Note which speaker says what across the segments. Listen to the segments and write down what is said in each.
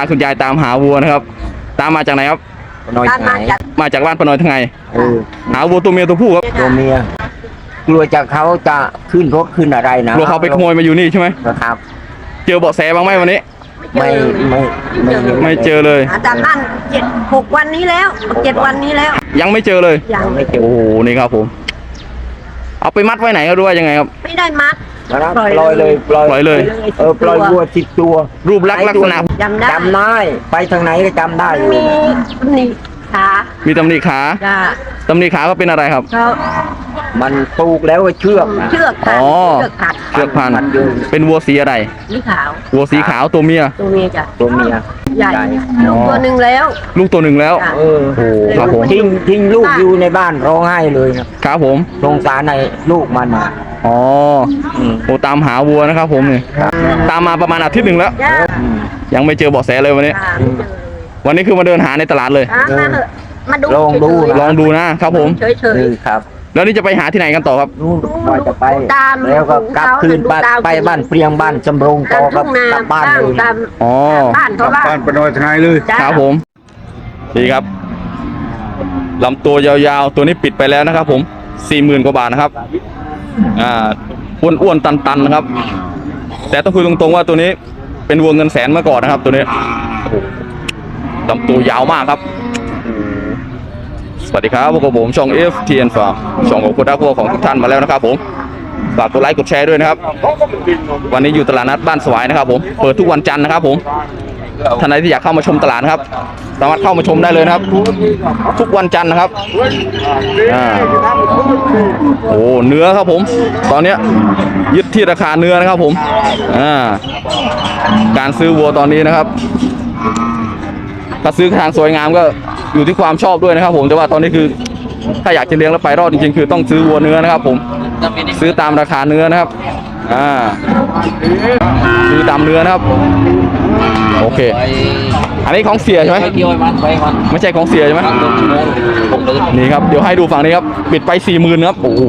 Speaker 1: คุณยายตามหาวัวนะครับตามมาจากไหนครับ
Speaker 2: ปนอยไง
Speaker 1: มาจากบ้านปนอยทั้งไงหาวัวตัวเมียตัวผู้ครับ
Speaker 2: ตัวเมียกลัวจากเขาจะขึ้นรถขึ้นอะไรนะ
Speaker 1: กลัวเขาไปขโมยมาอยู่นี่ใช่ไหม
Speaker 2: ครับ
Speaker 1: เจอเบาะแสบ้างไหมวันนี้ไม่เจอเลย
Speaker 3: จากบ้าน6 วันนี้แล้ว7 วันนี้แล้ว
Speaker 1: ยังไม่เจอเลย
Speaker 2: ยังไม่เจอ
Speaker 1: โอ้โหนี่ครับผมเอาไปมัดไว้ไหนก็รู้ว่ายังไงครับ
Speaker 3: ไม่ได้มัด
Speaker 2: ปล่อยเลยปล่อย
Speaker 1: เลย
Speaker 2: ปล่อยวัว10 ตัว
Speaker 1: รูปลักษณะ
Speaker 3: จำ
Speaker 2: ได้ไปทางไหนก็จำได้
Speaker 3: มีนี่ขา
Speaker 1: มีตำหนิขาตำหนิขาก็เป็นอะไรครับ
Speaker 2: มันปลูกแล้วเชือก
Speaker 3: พั
Speaker 1: นเป็นวัวสีอะไร
Speaker 3: สีขาว
Speaker 1: วัวสีขาวตัวเมีย
Speaker 3: จ้ะ
Speaker 2: ตัวเมีย
Speaker 3: ใหญ่ลูกตัวหนึ่งแล้ว
Speaker 1: โอ้ครับผม
Speaker 2: ทิ้งลูกอยู่ในบ้านร้องไห้เลย
Speaker 1: ครับผม
Speaker 2: สงสารในลูกมัน
Speaker 1: อ๋อโอ้ตามหาวัวนะครับผมเนี่ยตามมาประมาณอาทิตย์หนึ่งแล้วยังไม่เจอเบาะแสเลยวันนี้คือมาเดินหาในตลาดเลย
Speaker 3: มาดู
Speaker 2: ล
Speaker 1: องดูนะครับผม
Speaker 3: เฉย
Speaker 2: ครับ
Speaker 1: แล้วนี่จะไปหาที่ไหนกันต่อครับ
Speaker 2: ก็จะไปแล้วก็กลับคืนไปบ้านเปรียงบ้านจำรงต่อกับกลับบ้านเลย
Speaker 1: อ๋อ
Speaker 4: บ้านปนอยทนายเลย
Speaker 1: ครับผมดีครับลำตัวยาวๆตัวนี้ปิดไปแล้วนะครับผม 40,000 กว่าบาทนะครับอ้วนๆตันๆนะครับแต่ต้องคุยตรงๆว่าตัวนี้เป็นวัวเงินแสนมาก่อนนะครับตัวนี้ลำตัวยาวมากครับสวัสดีครับพวกผมช่อง FTN Farm ช่องของคุณรักวัวของทุกท่านมาแล้วนะครับผมฝากกดไลค์กดแชร์ด้วยนะครับวันนี้อยู่ตลาดนัดบ้านสวายนะครับผมเปิดทุกวันจันทร์นะครับผมท่านใดที่อยากเข้ามาชมตลาดนะครับสามารถเข้ามาชมได้เลยนะครับทุกวันจันทร์นะครับโอ้เนื้อครับผมตอนนี้ยึดที่ราคาเนื้อนะครับผมการซื้อวัวตอนนี้นะครับถ้าซื้อทางสวยงามก็อยู่ที่ความชอบด้วยนะครับผมแต่ว่าตอนนี้คือถ้าอยากจะเลี้ยงแล้วไปรอดจริงๆคือต้องซื้อวัวเนื้อนะครับผมซื้อตามราคาเนื้อนะครับซื้อตามเนื้อนะครับโอเคอันนี้ของเสียใช่ไหมไม่ใช่ของเสียใช่ไหมนี่ครับเดี๋ยวให้ดูฝั่งนี้ครับปิดไป 40,000 ครับโอ้โห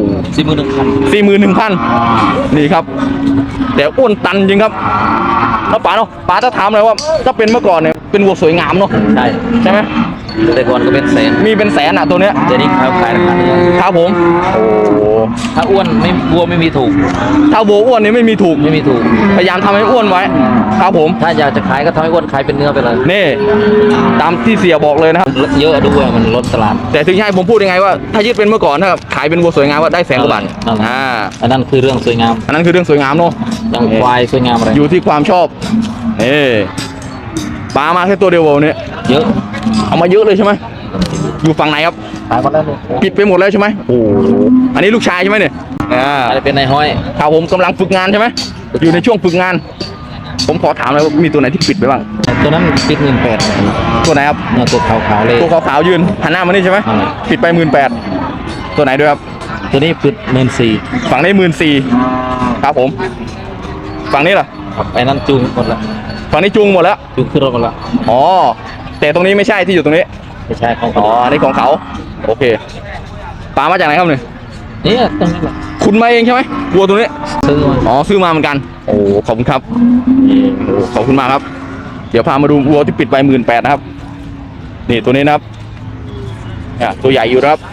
Speaker 1: 41,000นี่ครับแต่อ้วนตันจริงครับแล้วป๋าเนาะป๋าจะถามเลยว่าถ้าเป็นเมื่อก่อนเนี่ยเป็นวัวสวยงามเนาะใช่ไหม
Speaker 5: แต่ก่อนก็เป็นแสน
Speaker 1: มีเป็นแสนอ่ะตัวเนี้ย
Speaker 5: จะนี่ขายราคา
Speaker 1: ครับผมโอ้
Speaker 5: ถ้าอ้วนไม่วัวไม่มีถูก
Speaker 1: ถ้าวัวอ้วนนี่ไม่มีถูกพยายามทำให้อ้วนไว้ครับผม
Speaker 5: ถ้าอยากจะขายก็ทำให้อ้วนขายเป็นเนื้อไปเลย
Speaker 1: นี่ตามที่เสียบอกเลยนะครับ
Speaker 5: เยอะด้วยมันลดตลาด
Speaker 1: แต่ถึงให้ผมพูดยังไงว่าถ้ายึดเป็นเมื่อก่อนถ้าขายเป็นวัวสวยงามว่าได้100,000 กว่าบาท
Speaker 5: อันนั้นคือเรื่องสวยงาม
Speaker 1: อันนั้นคือเรื่องสวยงามเนาะ
Speaker 5: อย่างควายสวยงามอะไร
Speaker 1: อยู่ที่ความชอบปลามาแค่ตัวเดียวเนี่ย
Speaker 5: เยอะ
Speaker 1: เอามาเยอะเลยใช่ไหมอยู่ฝั่งไหนครับปิดไปหมดแล้วใช่ไหมโอ้อันนี้ลูกชายใช่ไหมเนี่ย
Speaker 5: เป็นนายห้อย
Speaker 1: ข่าวผมกำลังฝึกงานใช่ไหมอยู่ในช่วงฝึกงานผมขอถามเลยว่ามีตัวไหนที่ปิดไปบ้าง
Speaker 5: ตัวนั้นปิด18,000
Speaker 1: ตัวไหนครับ
Speaker 5: ตัวขาวๆเลย
Speaker 1: ตัวขาวๆยืนหันหน้ามานี่ใช่ไหมปิดไป18,000ตัวไหนด้วยครับ
Speaker 5: ตัวนี้ปิด14,000
Speaker 1: ฝั่งนี้14,000ครับผมฝั่งนี้ล่ะ
Speaker 5: ไอ้นั้นจูงหมดละ
Speaker 1: ฝั่งนี้จูงหมดแล้ว
Speaker 5: จูงขึ้นรถหมดละ
Speaker 1: อ๋อแต่ตรงนี้ไม่ใช่ที่อยู่ตรงนี้
Speaker 5: ไม่ใช่ของ
Speaker 1: นี่ของเขาโอเคปลามาจากไหนครับ
Speaker 5: นี่ตรงนี้แหละ
Speaker 1: คุณมาเองใช่ไหมวัวตัวนี้ซื้อมาเหมือนกันโอ้ขอบคุณครับขอบคุณมากครับเดี๋ยวพามาดูวัวที่ปิดไป18,000นะครับนี่ตัวนี้นะครับตัวใหญ่อยู่ครับ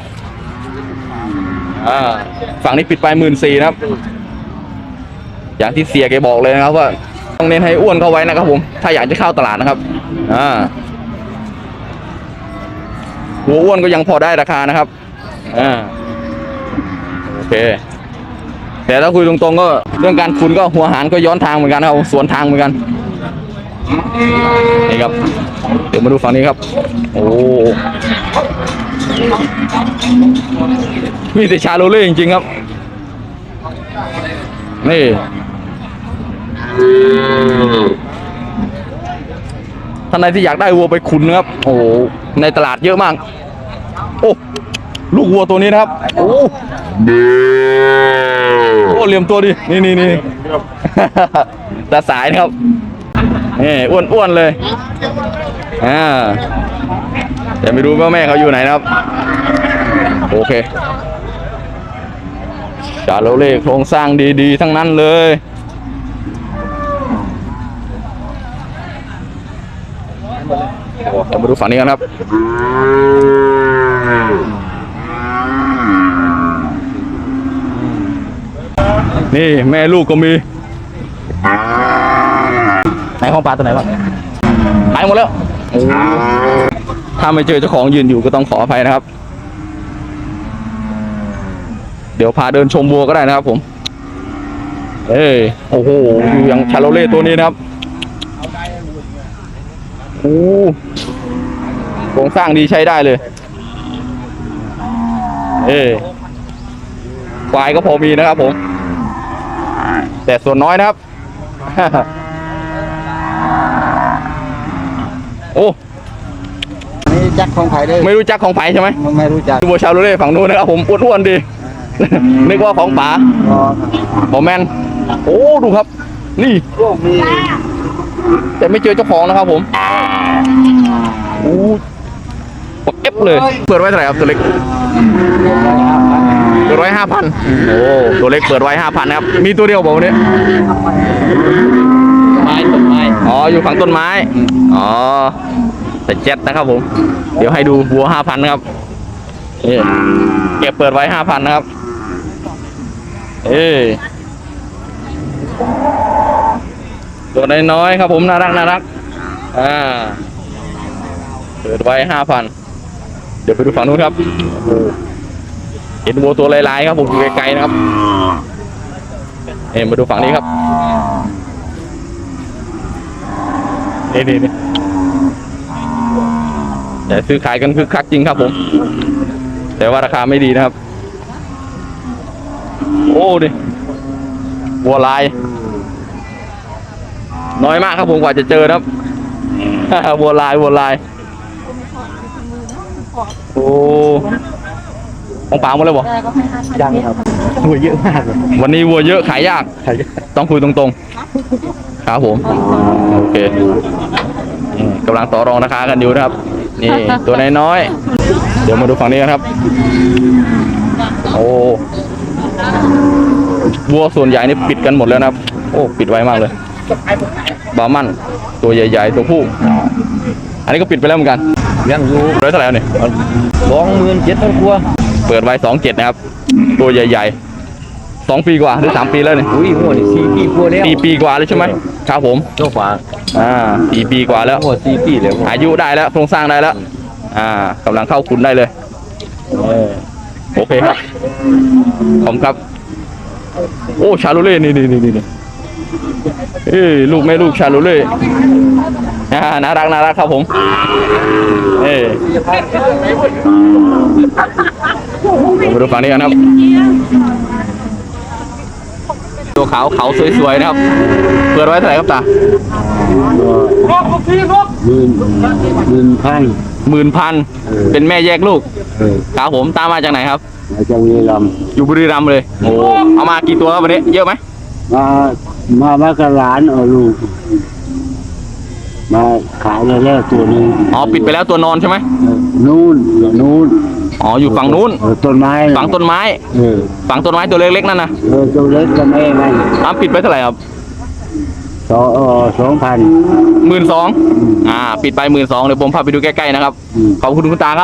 Speaker 1: ฝั่งนี้ปิดไป14,000นะครับอย่างที่เสียแกบอกเลยนะครับว่าต้องเน้นให้อ้วนเข้าไว้นะครับผมถ้าอยากจะเข้าตลาดนะครับหัวอ้วนก็ยังพอได้ราคานะครับโอเคแต่ถ้าคุยตรงๆก็เรื่องการขุนก็หัวหารก็ย้อนทางเหมือนกันครับสวนทางเหมือนกันนี่ครับเดี๋ยวมาดูฝั่งนี้ครับโอ้มีแต่ชาโลเล่จริงๆครับนี่ท่านใดที่อยากได้วัวไปขุนนะครับโอ้ในตลาดเยอะมากโอ้ลูกวัวตัวนี้นะครับโอ้เหลี่ยมตัวดินี่ตาสายนะครับนี่อ้วนเลยแต่ไม่รู้ว่าแม่เขาอยู่ไหนนะครับโอเคจาโรเล่โครงสร้างดีๆทั้งนั้นเลยมาดูฝั่งนี้กันครับนี่แม่ลูกก็มีไหนของปลาตัวไหนบ้างหายหมดแล้วโอ้ถ้าไม่เจอเจ้าของยืนอยู่ก็ต้องขออภัยนะครับเดี๋ยวพาเดินชมวัวก็ได้นะครับผมโอ้โหอยู่อย่างชาโลเล่ตัวนี้นะครับโอ้โครงสร้างดีใช้ได้เลยควายก็พอมีนะครับผมแต่ส่วนน้อยนะครับ โอ้
Speaker 2: ไม่รู้จักของไผ่เลย
Speaker 1: ไม่รู้จักของไผ่ใช่ไหม
Speaker 2: ไม่รู้จัก
Speaker 1: วัวชาโลเล่ฝั่งนู้นนะครับผมอ้วนๆดี นึกว่าของป๋าบอแมนโอ้ดูครับนี่แต่ไม่เจอเจ้าของนะครับผมโอ้ปกเอฟเลยเปิดไว้เท่าไหร่ครับตัวเล็กเปิดไว้ 5,000โอ้ตัวเล็กเปิดไว้ 5,000นะครับมีตัวเดียวบอกวันนี้
Speaker 5: ต้นไม้
Speaker 1: อ๋ออยู่ฝั่งต้นไม้อ๋อแต่เจ็ดนะครับผมเดี๋ยวให้ดูวัว 5,000นะครับเก็บเปิดไว้ 5,000นะครับตัวน้อยๆครับผมน่ารักเปิดไว้ 5,000เดี๋ยวไปดูฝั่งนู้นครับเห็นวัวตัวลายๆครับผมอยู่ไกลๆนะครับมาดูฝั่งนี้ครับนี่แต่ซื้อขายกันคึกคักจริงครับผมแต่ว่าราคาไม่ดีนะครับโอ้ดิวัวลายน้อยมากครับผมกว่าจะเจอนะครับ วัวลายโอ้ของป่าหมดเลยบ่
Speaker 2: ยังครับวัวเยอะมากเลย
Speaker 1: วันนี้วัวเยอะขายยากต้องคุยตรงๆครับผมโอเคกำลังต่อรองราคากันอยู่นะครับนี่ตัวน้อยๆเดี๋ยวมาดูฝั่งนี้กันครับโอ้วัวส่วนใหญ่นี่ปิดกันหมดแล้วนะครับโอ้ปิดไว้มากเลยบาร์มันตัวใหญ่ๆตัวผู้อันนี้ก็ปิดไปแล้วเหมือนกัน
Speaker 2: ยังอยู่
Speaker 1: ร้อยเท่าไหร่เนี่ย
Speaker 2: 27,000 กว่า
Speaker 1: เปิดไว้27นะครับตัวใหญ่ๆ2 ปีกว่าหรือ3 ปีแล้วเนี่ย
Speaker 2: อุ้ยหัวนี่4 ปีกว่าแล้ว
Speaker 1: 4 ปีกว่าแล้วใช่ไหมครับผม
Speaker 2: เจ้าฝา
Speaker 1: 4 ปีกว่าแล้ว
Speaker 2: หัว4 ปีแล้ว
Speaker 1: อายุได้แล้วโครงสร้างได้แล้วกำลังเข้าคุณได้เลยโอเคครับขอบคุณครับโอ้ชาโลเล่นี่ลูกแม่ลูกชาโลเล่น่ารักครับผมมาดูฝั่งนี้กันครับตัวขาวเขาสวยๆนะครับเปิดไว้เท่าไหร่ครับตา10,000เป็นแม่แยกลูกครับผมตามมาจากไหนครับ
Speaker 4: มาจากบุรีรัมย์
Speaker 1: อยู่บุรีรัมย์เลยโอ้เอามากี่ตัวครับวันนี้เยอะไหม
Speaker 4: มากับหลานเอาลูกมาขายแล้วตัวนึง
Speaker 1: อ๋อปิดไปแล้วตัวนอนใช่ไหม
Speaker 4: นู่น
Speaker 1: อ๋ออยู่ฝั่งนู้น
Speaker 4: ต้นไม้
Speaker 1: ฝั่งต้นไม้ฝั่งต้นไม้ตัวเล็กๆนั่นนะ
Speaker 4: ตัวเล็กก็ไม่ไง
Speaker 1: ปิดไปเท่าไหร่ครับ
Speaker 4: 2,000
Speaker 1: 12,000ปิดไป12,000เดี๋ยวผมพาไปดูใกล้ๆนะครับขอบคุณคุณตาครับ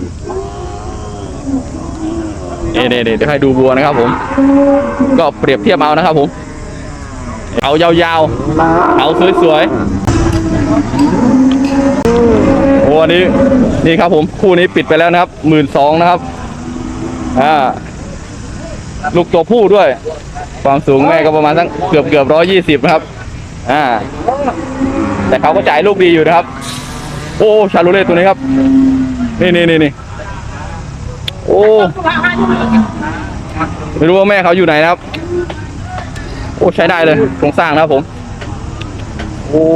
Speaker 1: เดี๋ยวให้ดูวัวนะครับผมก็เปรียบเทียบเอานะครับผมเอายาวๆเอาสวยๆโอ้อันนี้นี่ครับผมคู่นี้ปิดไปแล้วนะครับ12,000นะครับลูกตัวผู้ด้วยความสูงแม่ก็ประมาณสักเกือบ120นะครับแต่เขาก็จ่ายลูกดีอยู่นะครับโอ้ชาโลเล่ตัวนี้ครับนี่โอ้ไม่รู้ว่าแม่เขาอยู่ไหนนะครับโอ้ใช้ได้เลยโครงสร้างนะครับผมโอ้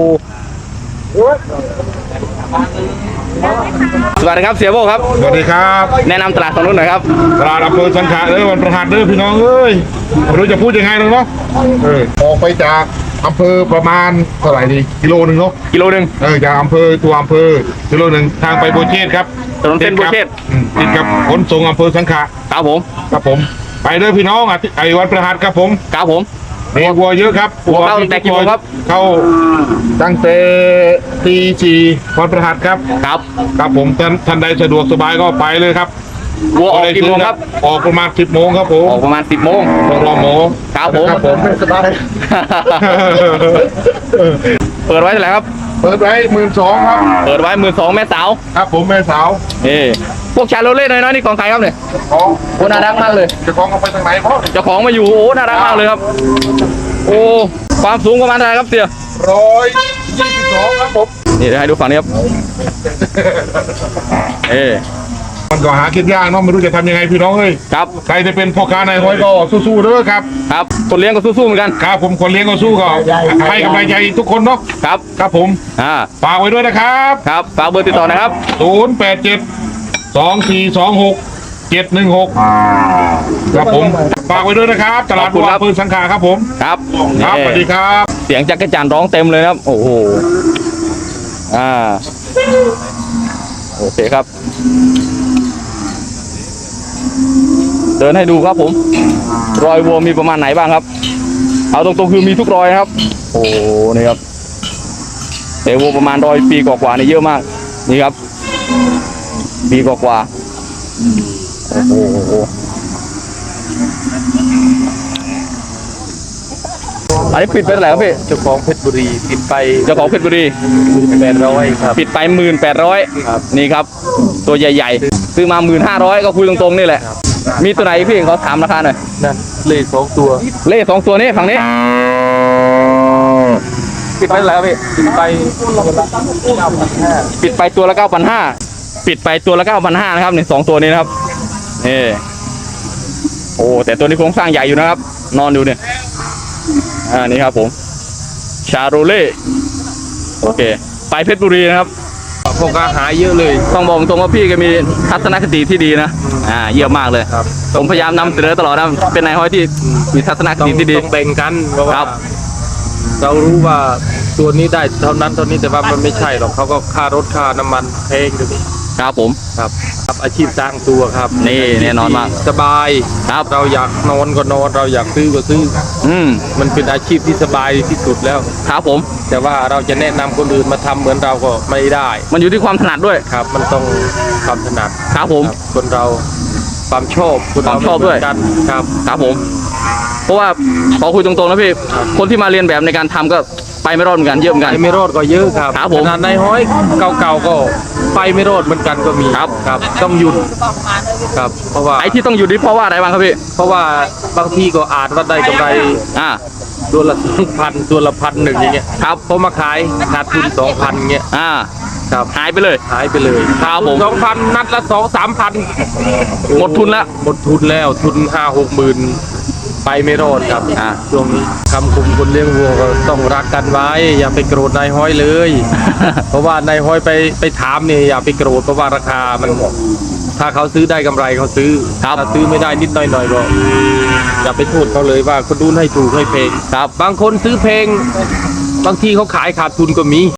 Speaker 1: สวัสดีครับเสียโบครับ
Speaker 4: สวัสดีครับ
Speaker 1: แนะนำตลาดตรงนู้นหน่อยครับ
Speaker 4: ตลาดอำเภอสังขะวันประหัสเด้อพี่น้องเอ้ยไม่รู้จะพูดยังไงเลยเนาะออกไปจากอำเภอประมาณเท่าไหร่ดีกิโลนึงเนาะ
Speaker 1: กิโลนึง
Speaker 4: จากอำเภอตัวอำเภอกิโลนึงทางไปโบเชตครับ
Speaker 1: ถนนเส้นโบเชต
Speaker 4: ติดกับขนส่งอำเภอสังขะ
Speaker 1: ครับผม
Speaker 4: ครับผมไปเด้อพี่น้องไอ้วันประหัสครับผม
Speaker 1: ครับผม
Speaker 4: มีวัวเยอะครับ
Speaker 1: วัวเข้าตั้งแต่กี่โมงครับ
Speaker 4: เข้าตั้งแต่ตีสี่วันพฤหัสครับ
Speaker 1: ครับ
Speaker 4: ครับผมท่านใดสะดวกสบายก็ไปเลยครับ
Speaker 1: วัวออกกี่โมงครับ
Speaker 4: ออกประมาณ10 โมงครับผม
Speaker 1: ออกประมาณ 10 โมง
Speaker 4: ต้องรอหมอ
Speaker 1: ครับผม
Speaker 4: ครับผมสบาย
Speaker 1: เปิดไว้เท่าไหร่ครับ
Speaker 4: เปิดไว้12,000ครับ
Speaker 1: เปิดไว้12,000แม่สาว
Speaker 4: ครับผมแม่สาว
Speaker 1: นี่พวกชาโรเล่น้อยๆนี่ของใครครับเนี่ย
Speaker 4: ของ
Speaker 1: โอ้น่ารักมากเลย
Speaker 4: จะของเอาไปทางไหนพ่อ
Speaker 1: เจ้าของมาอยู่โอ้น่ารักมากเลยครับ โอ้ความสูงประมาณเท่าไหร่ครับเสี่ย
Speaker 4: 122ครับผม
Speaker 1: นี่เดี๋ยวให้ดูฝั่งนี้ครับเอ
Speaker 4: มันก็หากินยากเนาะไม่รู้จะทำยังไงพี่น้องเอ้ย
Speaker 1: ครับ
Speaker 4: ใครจะเป็นพ่อค้าในายห้อยก็สู้ๆเด้อครับ
Speaker 1: ครับคนเลี้ยงก็สู้ๆเหมือนกัน
Speaker 4: ครับผมคนเลี้ยงก็สู้ก็ให้กำลังใจทุกคนเนาะ
Speaker 1: ครับ
Speaker 4: ครับผม ฝากไว้ด้วยนะครับ
Speaker 1: ครับฝากเบอร์ติดต่อนะครับ
Speaker 4: 087-2426-716ครับผมฝากไว้ด้วยนะครับตลาด
Speaker 1: ขอบคุณ
Speaker 4: วัว
Speaker 1: ครับ
Speaker 4: ปืนสังขาครับผม
Speaker 1: ครับ
Speaker 4: ครับ
Speaker 1: นี่
Speaker 4: สวัสดีครับ
Speaker 1: เสียงจักรจันทร์ร้องเต็มเลยนะครับ โอ้โหโอเคครับ เดินให้ดูครับผม รอยวัวมีประมาณไหนบ้างครับ เอาตรงๆคือมีทุกรอยครับ โอ้โหนี่ครับแต่วัวประมาณ100 ปีกว่าๆนี่เยอะมาก นี่ครับ ปีกว่าๆโอ้โหอันนี้ปิดไปเท่าไหร่ครับพี่
Speaker 5: เจ้าของเพชรบุรีปิดไป
Speaker 1: เจ้าของเพชรบุรี
Speaker 5: 800ครับ
Speaker 1: ปิดไป18,000
Speaker 5: ครับ
Speaker 1: นี่ครับ ตัวใหญ่ๆ ซื้อมา15,000ก็คุยตรงๆนี่แหละ มีตัวไหนพี่เขาถามราคาหน่อย
Speaker 5: นั่นเลข2ตัว
Speaker 1: เล่2 ตัวนี้ฝั่งนี้ ปิดไปเท่าไหร่ครับพี่
Speaker 5: ปิดไป
Speaker 1: ปิดไปตัวละ 9,500 ปิดไปตัวละ 9,500 นะครับนี่2 ตัวนี้นะครับนี่โอ้แต่ตัวนี้โครงสร้างใหญ่อยู่นะครับ นอนอยู่เนี่ยนี่ครับผมชาโรเล่โอเค ไปเพชรบุรีนะครับ
Speaker 5: พวกอาหารเยอะเลย
Speaker 1: ต้องบอกตรงว่าพี่แกมีทัศนคติที่ดีนะเยี่ยมมากเลย
Speaker 5: ครับ
Speaker 1: ผมพยายามนำเสนอตลอดนะเป็นนายห้อยที่มีทัศนค
Speaker 5: ต้อง
Speaker 1: ติที่ดี
Speaker 5: ต้องแบ่งกันเพราะ
Speaker 1: ค
Speaker 5: ว่า
Speaker 1: รับ
Speaker 5: เรารู้ว่าตัวนี้ได้เท่านั้นเท่านี้แต่ว่ามันไม่ใช่หรอกเขาก็ค่ารถค่าน้ำมันแพงเดี๋ยวนี้
Speaker 1: ครับผม
Speaker 5: ครับครับอาชีพสร้างตัวครับ
Speaker 1: นี่แน่นอนมาก
Speaker 5: สบาย
Speaker 1: ครับ
Speaker 5: เราอยากนอนก็นอนเราอยากซื้อก็ซื้อ มันเป็นอาชีพที่สบายที่สุดแล้ว
Speaker 1: ครับผม
Speaker 5: แต่ว่าเราจะแนะนำคนอื่นมาทำเหมือนเราก็ไม่ได้
Speaker 1: มันอยู่ที่ความถนัดด้วย
Speaker 5: ครับ มันต้องความถนัด
Speaker 1: ครับผม
Speaker 5: ครับคนเราความชอบคน
Speaker 1: ควา
Speaker 5: เรา
Speaker 1: มชอบด้วย
Speaker 5: ไม่เหมืนกันครับ
Speaker 1: ครับผม เพราะว่าขอคุยตรงๆนะพี่ คนที่มาเรียนแบบในการทำก็ไปไม่รอดเหมือนกันเยอะเหมือนกัน
Speaker 5: ไปไม่รอดก็เยอะครับ
Speaker 1: ครับผม
Speaker 5: ขนาดในห้อยเก่าๆก็ไปไม่รอดเหมือนกันก็มี
Speaker 1: ครับ
Speaker 5: ครับ ต้องหยุดครับ เพราะว่า
Speaker 1: ไอ้ที่ต้องอยู่นี่เพราะว่าอะไรบ้างครับพี่
Speaker 5: เพราะว่าบางทีก็อาจว่าได้กำไร
Speaker 1: อ่า
Speaker 5: ตัวละ2,000ตัวละ1,100อย่างเงี้ย
Speaker 1: ครับ
Speaker 5: พอมาขายขาดทุน2,000อย่างเงี้ย
Speaker 1: อ่า
Speaker 5: ครับ
Speaker 1: หายไปเลย
Speaker 5: หายไปเลย
Speaker 1: ครับผม
Speaker 5: 2,000 นัดละ2-3,000
Speaker 1: หมดทุนแล้ว
Speaker 5: หมดทุนแล้วทุน5-6 หมื่นไปไม่รอดครับ ช่วงนี้คำคมคนเลี้ยงวัวก็ต้องรักกันไว้ อย่าไปโกรธนายห้อยเลย เพราะว่านายห้อยไปถามเนี่ยอย่าไปโกรธเพราะว่าราคามันถ้าเขาซื้อได้กำไรเขาซื้อ
Speaker 1: ครับ
Speaker 5: ถ้าซื้อไม่ได้นิดหน่อยก็อย่าไปโทษเขาเลยว่าคนดูให้ถูกให้เพลง
Speaker 1: ครับ
Speaker 5: บางคนซื้อเพลงบางทีเขาขายขาดทุนก็มี